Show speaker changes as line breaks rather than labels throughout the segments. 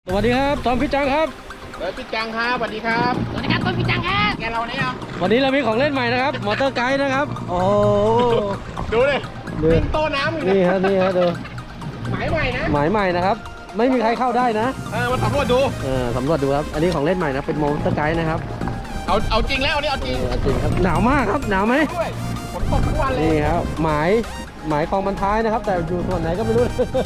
สวัสดีครับตอมพี่จังครับ
พี่จังครับสวัสดีครับ
สวัสดีครับต้นพี่จังครับ
แกเราเนี่ย
วันนี้เรามีของเล่นใหม่นะครับมอเตอร์ไกด์นะครับโอ้
ดูเลยวิ่งโต้น้ำอยู่
นี่ฮะนี่ฮะดู
หมายใหม่นะ
หมายใหม่นะครับไม่มีใครเข้าได้นะ
มาสำรวจดู
สำรวจดูครับอันนี้ของเล่นใหม่นะเป็นมอเตอร์ไกด์นะครับ
เอาจริงแล้วนี่เอาจริง
จริงครับหนาวมากครับหนาวไหม
ด้วยฝนตกทุกวันเลย
นี่ครับหมายคลองบรรท้ายนะครับ แต่อยู่ส่วนไหนก็ไม่รู้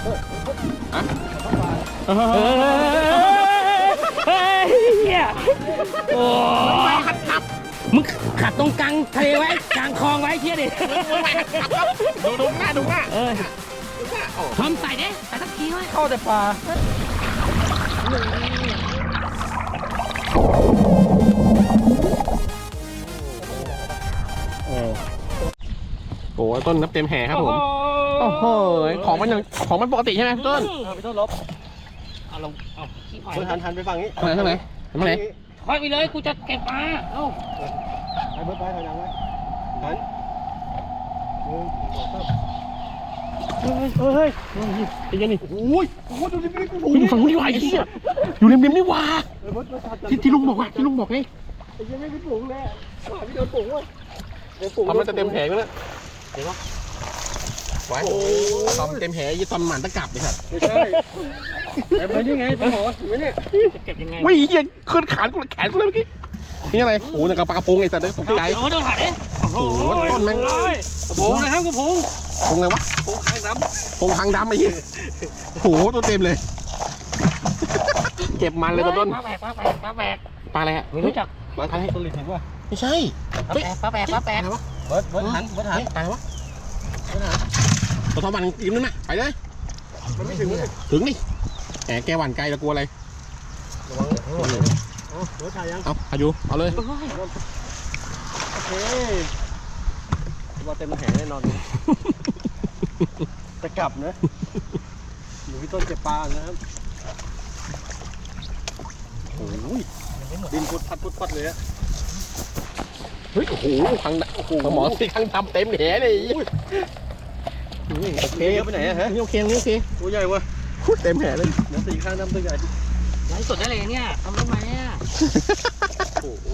เฮ้ยเนี่ยโอ้มึงขัดตรงกลางทะเลไว้กลางคลองไว้เที่ยดิ
ดูหน้าดูหน้า
ทอมใส่ดิใส่สักทีไว้
เข้าแต่ปลา
โอ้ต้นนับเต็มแห่ครับผมโอ้โหของมันปกติใช่ไหมพี่ต้น
พี่ต้นลบ
เอาลงเอาขี้หอย
หันไปฝั่งนี้
ทางไหนทางไหน
คอยไปเลยกูจะเก็บปลาเอ้า
ไปเบิร์ดไปถอยหลังไว้หันเฮ้ย
ไอ้ยันนี่โอ้ยดูริมริมอยู่ฝั่งนู้นนี่หว่าไอ้เหี้ยอยู่ริมริมนี่หว่าที่ลุงบอกไง
ไอ้ยังไม่เป็นฝูงเลยพี่โดนฝูงว่ะ
ทำมันจะเต็มแผงแล้วเห็นปะไว้ทำเต็มแผงยี่ตอนหมันตะกลับเลยครับ
ไม่ใช่ไปนี่ไงไปหอไม่เนี่ย
จะเก็บยังไง
วิ่งเหี้ยขึ้นขาแขนกูเลยเมื่อกี้นี่อะไรโอ้ยกระปากระพงไอ้สัตว์เลยตกใจ
โอ้โดนหัดดิ
โอ้โหต้นแม่ง
กระพงนะครับกระพง
พงไงวะ
กระพงข้างดำ
พงหางดำไอ้เหี้ยโอ้โหตัวเต็มเลยเก็บมันเลยต้น
ปลาแบก
ปลาอะไรฮะ
ไม่รู้จัก
มาทำต้นลินเห็นป่ะ
ไม่ใช่
ปลาแบก
อะไรวะ
เบิร์ดหันปลาอะไรวะ
ตัวทอมันยิ้มนั่นน่ะไปเลย
มันไม่ถึง
ถึงนี่แหมแกหวั่นไกลแล้วกลัวอะไร
ระวังเบิร์ดถ่ายยัง
เอาพายุเอาเลย
โอเคว่าเต็มแผงแน่นอนจะกลับนะอยู่พี่ต้นเก็บปลานะครับโอ้ยดินพุดพัดเลยอะ
เฮ้ยโอ้โหทางโอ้โหหมอสิทางทำเต็มแหเลย
โอเคไปไหนอะฮะ
นี่โอเคนี่โอเค
ตัวใหญ่วะ
เต็มแหเลย
น้ำสีข้างน้ำตัวใหญ่
ไลฟ์สดได้เลยเนี่ยทำได้ไหมเนี่ย
โอ้โห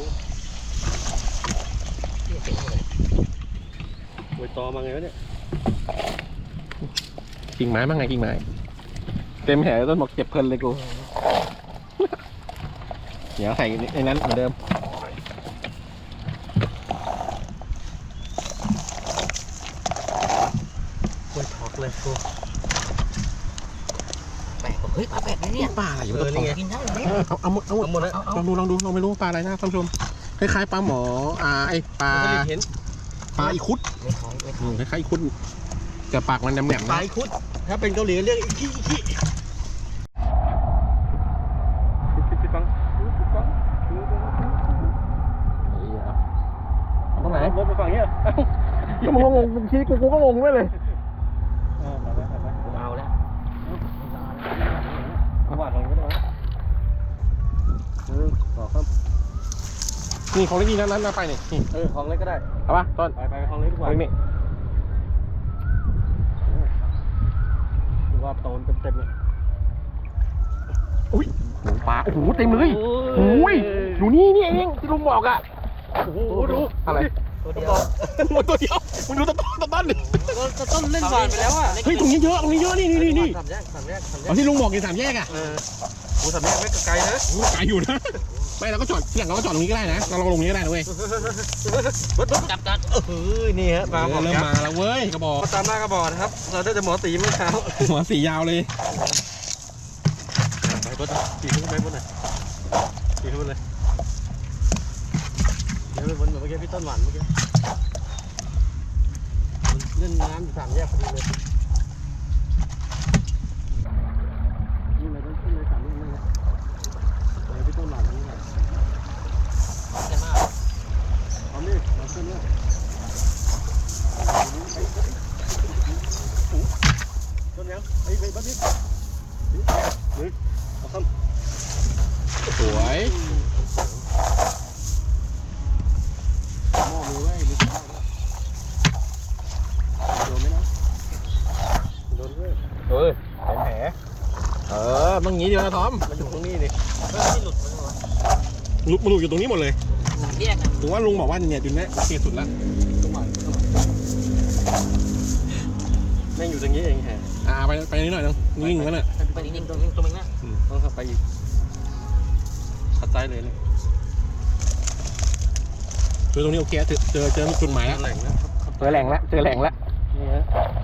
โวยตอมาไงวะเนี่ย
กิ่งไม้บ้างไงกิ่งไม้เต็มแหต้นบอกเจ็บเพลินเลยกูเดี๋ยวใส่ในนั้นเหมือนเดิม
โวยถอกเลยกู
แบกเฮ้ยปลาแบกเลยเนี่ย
ปลาอะไรอยู่ต้น
กินได้ไหม
เอาหมดแล้วลองดูเราไม่รู้ปลาอะไรนะท่านผู้ชมคล้ายๆปลาหมอไอปลา
เห็น
ปลาอีคุด
ไม่ถอยไม่ถอย
คล้ายๆอีคุดแต่ปากมันแหลมๆ
ปลา
นะ
อีคุดถ้าเป็นเกาหลีเรียกอีคิปิดฟัง
ตรงไหน
รถไปฝั่งนี้
ก็มึงงงชี้กูก็งงไม่เลย
เอาแล้ว
วาดของก็ได้ต่อครับ
นี่ของเล็กนี่นั้นไปนี่
ของเล็กก็ได้
เอาปะต้น
ไปของเล็กดีกว่า
นี่
ดูว่าโตนเต็มเลย
อุ้ยปลาโอ้โหเต็มเลยโอ้ยอยู่นี่เองที่ลุงบอกอ่ะโอ้โหดูอะไร
ตัวเดียว
ตัวเดียวมึงดูต้นดิ
ต้นเล่นหวานไปแล้วอ่ะ
เฮ้ยตรงนี้เยอะนี่
สามแยก
เอาที่ลุงบอกอยู่สามแยกอ่ะ
โอ้สามแยกไม่ไกลนะ
ไกลอยู่นะไม่เราก็จอดที่หลังเราก็จอดตรงนี้ก็ได้นะเราลงนี้ก็ได้นะเว้ย
จับ
นี่ฮะปลาบอก
เริ่มมาแล้วเว้ยกระบอก
ตามหน้ากระบอกนะครับเราได้แต่หมอตีเมื่อเช้า
หัวสียาวเลย
ไปบดตีขึ้นไปบนหน่อยตีขึ้นไปเลยเดี๋ยวไปบนแบบเมื่อกี้พี่ต้นหวานเมื่อกี้เล่นน้ำอยู่สามแยกพอดีเลยนี่เลยต้องขึ้นเลยสามแยกนี่เลยพี่ต้นหวานนี่เลยเอานี่เอาขึ้นเนี่ยต้นยังไอ้บัดนี้เอาคำ
สวย
หม้อมือไว้มีข้าวด้วยโดนไหมนะโดนด้วย
เป็นแผลต้องงี้เดียวนะทอม
มันอยู่ข้าง
รงนี้นี่
ไม่หลุดมันหรอ
ลุกมาอยู่ตรงนี้หมดเลย
สามแยกนะ
ถึงว่าลุงบอกว่าเนี่ยจุดนี้โอเคสุดแล้วแม่งอยู่ตรงนี้เองแฮะไปนิดหน่อยนึงนิ่งๆนั่นน่ะ
ไปนิ่งๆตรงนี้นะ
ต้องขับไปอีกขัดใจเลยเลยเจอตรงนี้โอเคเจอจุดหมายแล้วเจอแหล่งแล้วนี่ฮะ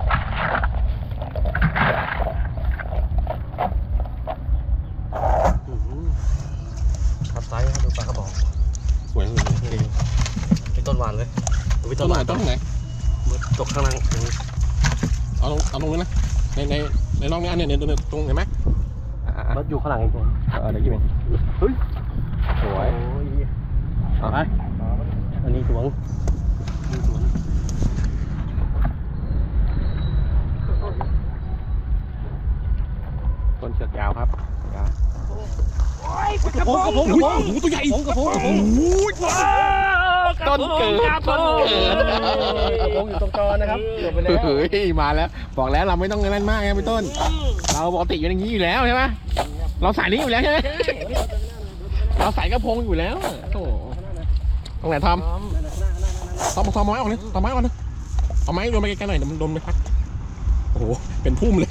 ขัดใจครับดูปลากระบอกสวยเลยเป็นต้นหวานเลยเป็นต้นหวานต้นไหนตกข้างล่างเอาลงเลยนะในร่องนี้อันนี้ตรงเห็นไหมรถอยู่ข้างหลังอีกคนเดี๋ยวกี่เป็นเฮ้ยสวยเอาไปอันนี้สวงต้นเชือกยาวครับกระพงตัวใหญ่กระพงต้นเกิดกระพงอยู่ตรงจอนะครับเกือบไปแล้วเฮ้ยมาแล้วบอกแล้วเราไม่ต้องเล่นมากไงพี่ต้นเราปกติอยู่อย่างนี้อยู่แล้วใช่ไหมเราสายนี้อยู่แล้วใช่ไหมเราสายกระพงอยู่แล้วโอ้ตรงไหนทอมไม้ออกเลยทอมไม้ออกเลยเอาไม้โดนไปไกลๆหน่อยโดนไปพักโอ้โหเป็นพุ่มเลย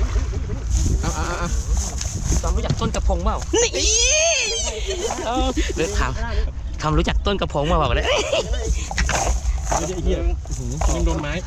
ตอนรู้จักต้นกระพงเปล่านี่เลือกทำรู้จักต้นกระพงมาบอกเลย
ไม่ใช่เหี้ยยังโดนไม้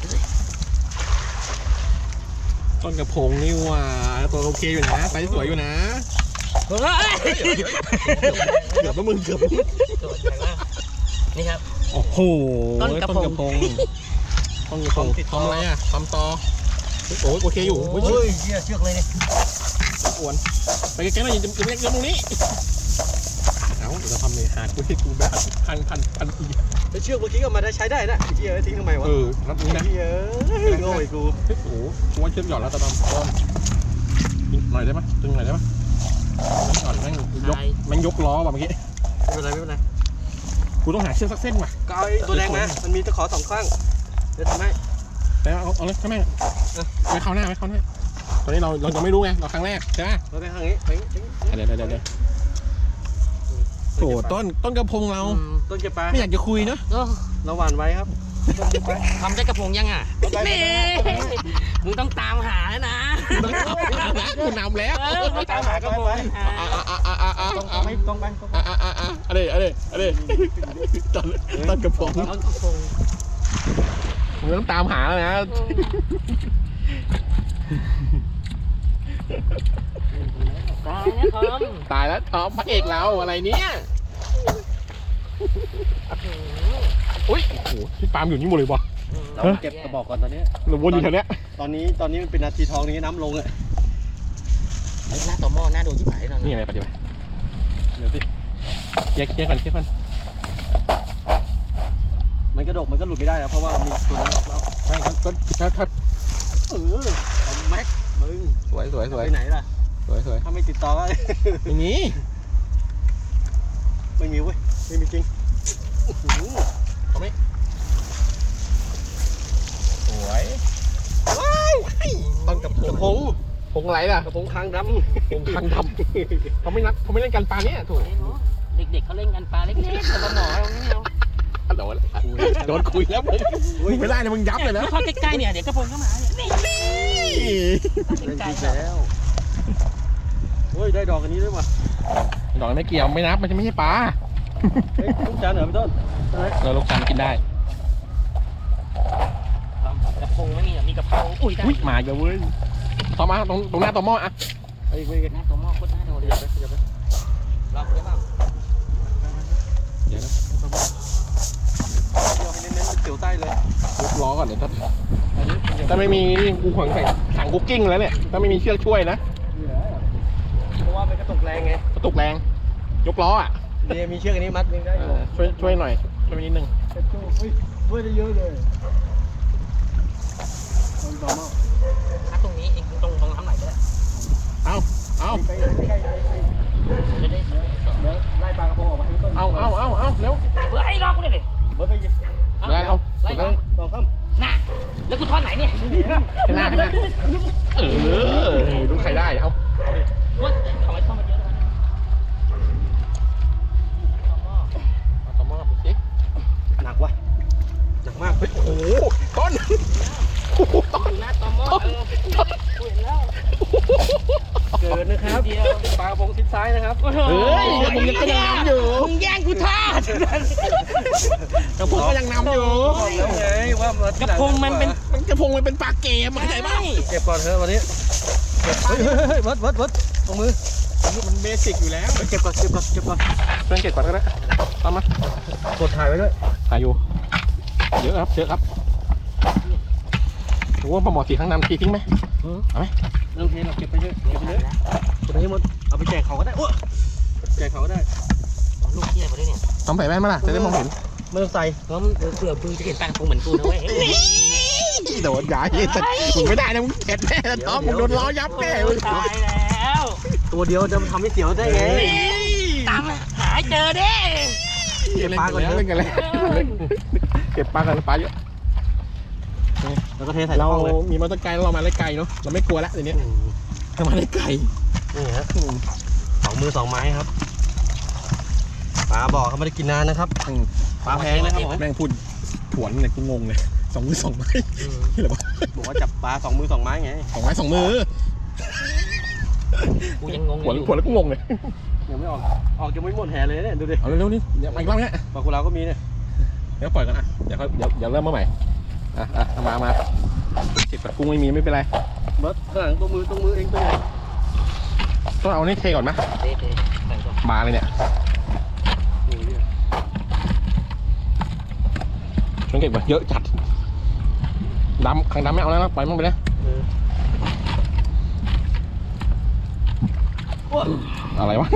ต้นกระพงนี่ว่าตัวโอเคอยู่นะไซส์สวยอยู่นะเกือบแล้วมึงเกือบ
นี่ครับ
โอ้โหต้นกระพงทำอะไรอ่ะทำตอโอ้ยโอเคอยู่เฮ้ยเชือกเลยเนี่ยอ้วนไปแกๆหน่อยจะเล็กตรงนี้เอาเดี๋ยวเราทำเลยหากูที่กูแบบพันอีเชือกเมื่อกี้ก็มาได้ใช้ได้นะเหี้ยทิ้งทำไมวะรับนี้นะโง่ไอ้กูโอ้โหกูว่าเชือกหย่อนแล้วตะดำต้นหน่อยได้ไหมตึงหน่อยได้ไหมหย่อนแม่งยกล้อว่ะเมื่อกี้ไม่เป็นไรกูต้องหาเชือกสักเส้นว่ะก็เอาตัวแดงมามันมีตะขอ2 ข้างเดี๋ยวทำให้แต่เอาเลยใช่ไหมไม่เข้าหน้าตอนนี้เรายังไม่รู้ไงเราครั้งแรกใช่ไหมเราไปทางนี้เดี๋ยวโอ้ต้นกระพงเราต้นกระปาไม่อยากจะคุยเนาะเราหวานไว้ครับ
ทำได้กระพงยังอ่ะนี่มึงต้องตามหาแล้วนะ
คุณนำแล้ว
ต้องตามหากระพง
ต้องไปอะไรต้นกระพงมึงต้องตามหาแล้วนะตายแล้วทอมพระเอกเราอะไรเนี่ยอุ้ยโอ้โหพี่ปาล์มอยู่นี่หมดเลยป่ะ
เราเก็บกระบอกก่อนตอนนี้
เราวนอยู่แถวนี้
ตอนนี้มันเป็นนาทีทองนี้น้ำลงเลย
หน้าต่อหม้อหน้าโดนที่ไหน
นี่อะไรปฏิบัติเดี๋ยวสิเคลียร์ก่อน
มันกระดกมันก็หลุดไม่ได้แล้วเพราะว่ามีตัวนั้นเรา
ใช่ครับ
แม็กมึง
สวย
ไปไหนล่ะ
สวย
ถ้าไม่ติดต่อก็
ไม่มี
เว้ยไม่มีจริง
เอาไหมสวยว้าวต้นกระพงอะไรล่ะ
กระพงคางด
ำเขาไม่เล่นกันปลาเนี่ยถูก
เด็กๆเขาเล่นกันปลาเล็กๆแต่ปลาหมอไม่เอา
โดนคุยแล้วมึงไม่ได้นะมึงยับเลยนะ
เข้าใกล้ๆเนี่ยเดี๋ยวกระพงเข้ามาเนี่ย
ใกล้แล้วโอ้ยได้ดอกอันนี้ด้วยว่ะ
ดอกไม่เกี่ยวไม่นับมันจะไม่ใช่ปลา
ลูกจันเหรอพี่ต้น
เราลูกจันกินได้
กระพงไม่มีมีกระเพราอุ้ย
มาเยอะเว้ยต่อมาตรงหน้าต่อหม้ออ่ะ
ไอ้เว้ย
หน้าต่อหม้อโคตรน่าโดนเลยล็อกได้ป่ะ
เดี๋ยวนะ
ให้เน้นๆเกี่ยวใต้เลย
ยกล้อก่อนเดี๋ยวถ้าไม่มีนี่กูขวางใส่ถังคุกกิ้งแล้วเนี่ยถ้าไม่มีเชือกช่วยนะ
เพราะว่าเป็นกระตุกแรงไง
กระตุกแรงยกล้ออ่ะ
เนี่ยมีเชือกอันนี้มัดยังได้
ช่วยหน่อยช่วยนิดนึง
ช่วยได้เยอะเลย
ถ้าตรงนี้เองตรงทำไหนก็ได้
เอา
จะได้ไล่ปลากระพงออกมาให้ต้น
เอาเร็ว
ไล่ล็อกกูเลย
เบิร์ดไปยิง
ไล่เอา
ไล่ต่อข้าม
น่ะแล้วกูทอดไหนเนี่ย
ข้างหน้าดูใครได้เอา
ว่าเขาไม่ทอดมาเยอะ
ซ้ายนะครับ
เฮ้ย
กระพงยังนำอยู่
มึงแย่งกูทอด
กระพงก็ยังนำอยู่
แล้วไงว่าก
ระพงมันเป็น
กระพงมันเป็นปลาเกมเข้าใจป่ะ
เก็บก่อนเถอะวันนี้เก็บเฮ้ยวัดตรงมือ
มันเบสิกอยู่แล้ว
เก็บก่อนเก็บก่อน
เพื่อนเก็บก่อนก็ได้ตามมาก
ดถ่ายไว้ด้วย
ถ่ายอยู่เยอะครับโอ้ปลาหมอสีข้างนำทีทิ้งไหมเอาไหม
เรื่องเพลงเราเก็บไปเยอะเก็บไปให้หมดเอาไปแจกเขาก็ได้แจกเขาก็ได้
ลูกเหี้ยมาด้วยเนี่ย
ต้องใส่แว่นไหมล่ะจะได้มองเห็น
ไม่ต้องใส่
เพราะเผื่อมึงจะเห็นปลากระพงเหมือนกูนะเว้ย
โดนย้ายมึงไม่ได้นะมึงเผ็ดแน่ท้องมึงโดนล้อยับแน่มึง
ตายแล้ว
ตัวเดียวจะทำให้เสียวได้ไง
ตามหาเจอเด้
เก็บปลาก่อนเล่นกันเลยเก็บปลากันปลาเยอะ
แล้วก็เทใส่
เรา
ห้องเลย
มีมอเตอร์ไกด์เรามาได้ไกลเนาะเราไม่กลัวแล้วเดี๋ยวนี้เรามาได้ไกล
นี่ฮะ2 มือ 2 ไม้ครับปลาบอกเขาไม่ได้กินนานนะครับปลาแพงนะครับผม
แม่งพูดผวนเนี่ยกูงงเลย2 มือ 2 ไม้นี่เหรอวะ
บอกว่าจับปลา2 มือ 2 ไม้ไง
2 ไม้ 2 มือ
กูยังงง
ผวนแล้วกูงงเลย
ยังไม่ออกยังไม่หมดแห่เลยเนี่ยดูดิ
เอาเร็วๆนี่เดี๋ยวมาอีกรอบเนี้ย
ปลากุเลาก็มีเนี่ย
เดี๋ยวปล่อยกันอ่ะเดี๋ยวเริ่มมาใหม่มาติดปัดกุ้งไม่มีไม่เป็นไร
เบิร์ดข้างหลังตัวมือเองตัวใหญ่
ต้องเอานี่เทก่อนไหม
เด้ใส่ก่อน
บาเลยเนี่ยช่วงเก็บแบบเยอะจัดดำขังดำไม่เอาแล้วนะปล่อยมันไปเลยอะไรวะ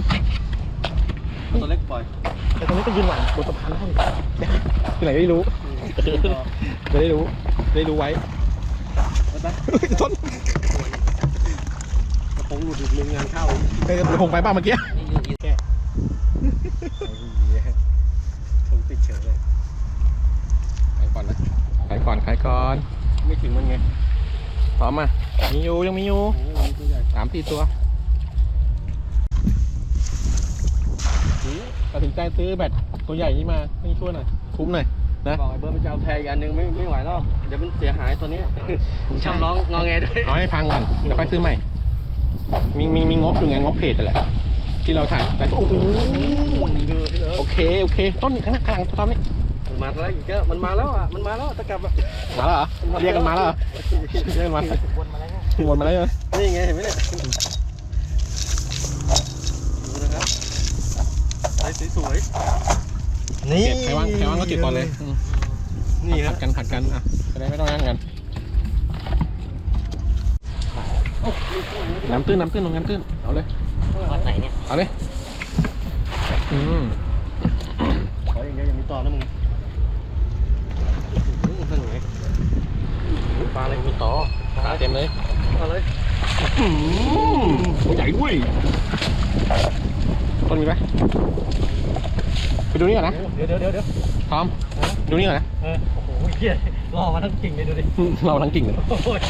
ตัวเล็กปล่อย
แต่ตรงนี้ก็ยืนหลังบนสะพานได้ที่ไหนได้รู้จะได้รู้ไว้ต้น
กระพงหลุดอีก1 งานเข้า
เดี๋ยวผมไปบ้างเมื่อกี้
ถุงติดเฉยเลย
ขายก่อนนะขายก่อนไม่ถึงมันไงพร้อมอ่ะมีอยู่ยังมีอยู่
ตัวใหญ่
3-4 ตัวตัดสินใจซื้อแบตตัวใหญ่นี้มาให้ช่วยหน่อยคุ้มหน่อยนะ
บอกไอ้เบิร์ดไปจะเอาแพรอีกอันนึงไม่ไหวแล้วเดี๋ยวมันเสียหายตัวนี้ชอบร้องงอแงด้วย
เอาให้พังก่อนเดี๋ยวค่อยซื้อใหม่มีงบอยู่ไงงบเพจนั่นแหละที่เราถ่ายแต่โอ้โหโอเคต้นข้างหน้าข้างหลังต้นนี้
มันมาแล้วอีกแล้วมันมาแล้วอ่ะตะกลับอ่ะ
มาแล้วเหรอเรียกกันมาแล้วเหรอเรียกกันมา
วนมาแล้ว
วนมาแล้วเหรอ
นี่ไงเห็นไหมเนี่ยดูนะครับไอ้สวยๆนี่
เก็บใครว่างก็เก็บก่อนเลย
นี่ค
ผั
รับ
ดกันอ่ะจะได้ไม่ต้องนั่งกันน้ำตื้นลงน้ำตื้นเอาเลย
วัดไหนเนี่ย
เอาเลย
ขออย่างเดียวอย่ามีต่อนะมึงปลาอะไรมีต่อ
ตาเต็มเลย
เอาเลย
ตัวใหญ่ด้วยต้นมีไหมไปดูนี่ก่อนนะ
เดี๋ยว
พร้อมดูนี่ก่อนนะ
โอ้โหเหี้ยรอมาทั้งกิ่งเลยดูดิ
เราทั้งกิ่งเลย
โอ้ย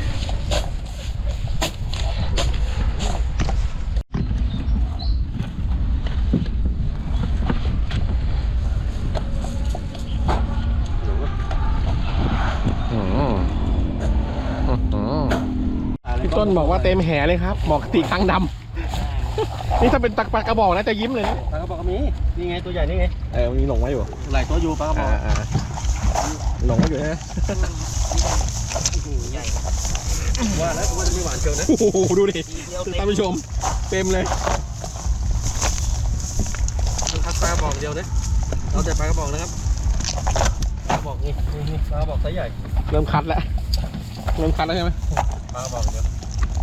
พี่ต้นบอกว่าเต็มแหเลยครับหมอกตีคางดำนี่ถ้าเป็นตักปลากระบอกนะจะยิ้มเลยนะ
ปลากระบอกก็มีนี่ไงตัวใหญ่นี่ไง
มีหลงไว้อยู่
หลายตัวอยู่ปลากระบอก
หลงไว้อยู่นะ
ใหญ่
ว่าแล้วว่าจะไม่หวานเชียวนะ
โอ้โหดูดิ
เดียว
ท่านผู้ชมเต็มเลย
มันคัดปลากระบอกเดียวนะเราแต่ปลากระบอกนะครับปลากระบอกนี่ปลากระบอกไซส์ใหญ่
เริ่มคัดแล้วใช่ไหม
ปลากระบอกเดียว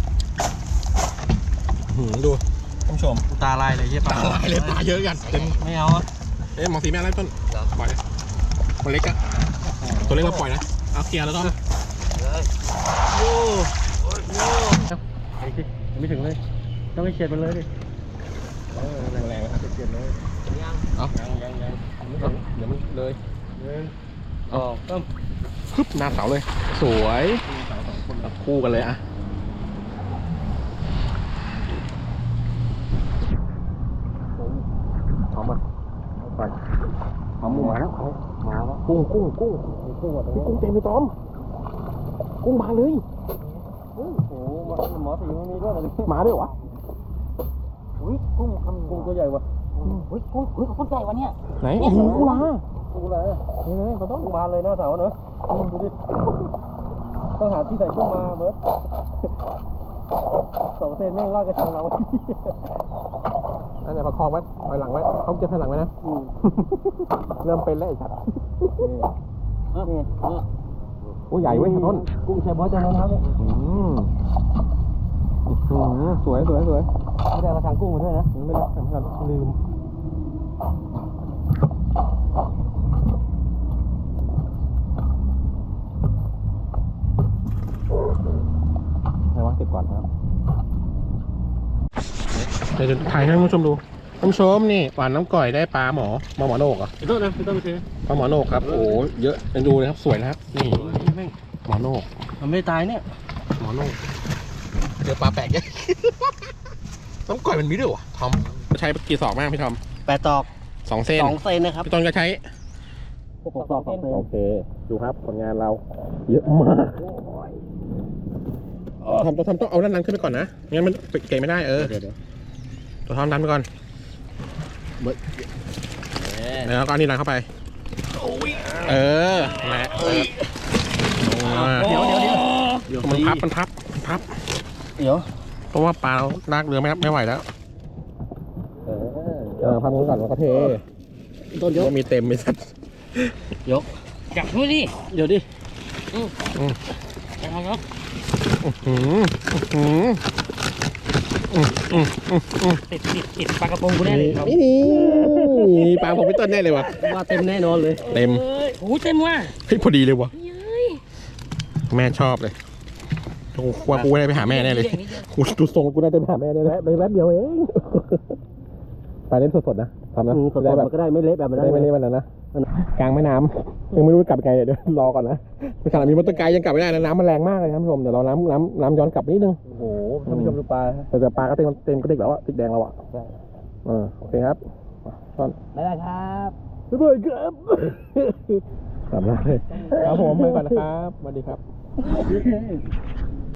ดูท่านผู้ชม
ตาลายเลยเยี่ยปลา
ลายเลยปลาเยอะกันเต็ม
ไม่เอาอ่ะ
หมอสีแม่อะไรต้นปล่อยตัวเล็กอะตัวเล็กเราปล่อยนะเอาเคลียร์แล้วต้น
เลย
โย่ไอ้ที่ไม่ถึงเลยต้องให้เฉียดมันเลยดิ
แรงๆนะครับ
เฉียดเลย
ยัง
เอา
ยัง
เดี๋ยวมันเลย
อ๋อต้ม
ปึ๊บหน้าเสาเลย สวยคู่กันเลยอะพร้อมอ่ะไปพร้อมมาแล้วกุ้งกุ้งเต็มเลยต้อมกุ้งมาเลย
โอ้โหหมอสีมันมีด้วยเหรอ
มาด้วยวะ
อุ้ยกุ้งคำ
กุ้งตัวใหญ่วะ
อุ้ยกุ้งใหญ่วะเนี่ย
ไหนโอ้โหปลา
กุ้งอะไรนี่เลยมันต้องบานเลยหน้าเสาเนอะดูดิต้องหาที่ใส่กุ้งมาเบิร์ด2 เซนแม่งรอดกระชังเรา
นั่นแหละประคองไว้ถอยหลังไว้เขาจะถอยหลังไว้นะเริ่มเป็นแล้วไอ้สัตว์โอ้ใหญ่เว้ยต้น
กุ้งแชบอสจะนะครับเนี่ย
สวย
ไม่ได้กระชังกุ้งมาด้วยนะ
ไม่ได้สำคัญลืมไหนวะเก็บก่อนครับเดี๋ยวถ่ายให้ท่านผู้ชมดูท่านผู้ชมนี่หวานน้ำก่อยได้ปลาหมอโหนกเหรอ
พี่ต้นนะพี่ต้นคือ
ปลาหมอโหนกครับโอ้เยอะดูเลยครับสวยนะครับนี่หมอโหนก
มันไม่ตายเนี่ย
หมอโหนกเจอปลาแปลกเยอะ น้ำก่อยมันมีด้วยวะทอมใช้กี่ศอกมากพี่ทอม
8 ตอก
2 เส้น
2 เซนนะครับ
พี่ต้นก็ใช้
6 ตอก 2 เซน
โอเคดูครับผลงานเราเยอะมากทอมต้องเอาด้านนั้นขึ้นไปก่อนนะงั้นมันเก่งไม่ได้
เดี๋ยว
ตัวทอมดันไปก่อนแล้วก็อันนี้ดันเข้าไปแหละ
เดี๋ยว
มันพับ
เดี๋ยว
เพราะว่าปลาเราลากเรือไม่ไหวแล้วพับมือก่อนแล้วก็เท
ต้นยก
มีเต็มมีสัตว์
จับดูดิ
เดี๋ยวดิ
จับครับติดปลากระพงกูแน่เลยครับ
นี่ปลาผมพี่ต้นแน่เลยวะ
ว่าเต็มแน่นอนเลย
เต็ม
โอ้เต็มว่ะ
เฮ้ยพอดีเลยวะแม่ชอบเลยว่ากูได้ไปหาแม่แน่เลยกูดูทรงกูได้ไปหาแม่แน่เลยแป๊บเดียวเองไปเล่นสดๆนะทำนะ
สดๆมันก็ได้ไม่เละแบบนั้น
ได้ไม่เล่นวันนั้นนะกลางแม่น้ำยังไม่รู้กลับไงเดี๋ยวรอก่อนนะขนาดมีมอเตอร์ไกด์ยังกลับไม่ได้นะน้ำมันแรงมากเลยท่านผู้ชมเดี๋ยวเราน้ำย้อนกลับนิดนึง
โอ้โหท่านผู้ชมดูปลา
แต่ปลาก็เต็มกระดิกแล้วอะติดแดงแล้วอะโอเคครับท่อน
ไม่ได้ครับ
บ๊ายบายครับกลับแล้วเลยครับผมไปก่อนนะครับสวัสดีครับ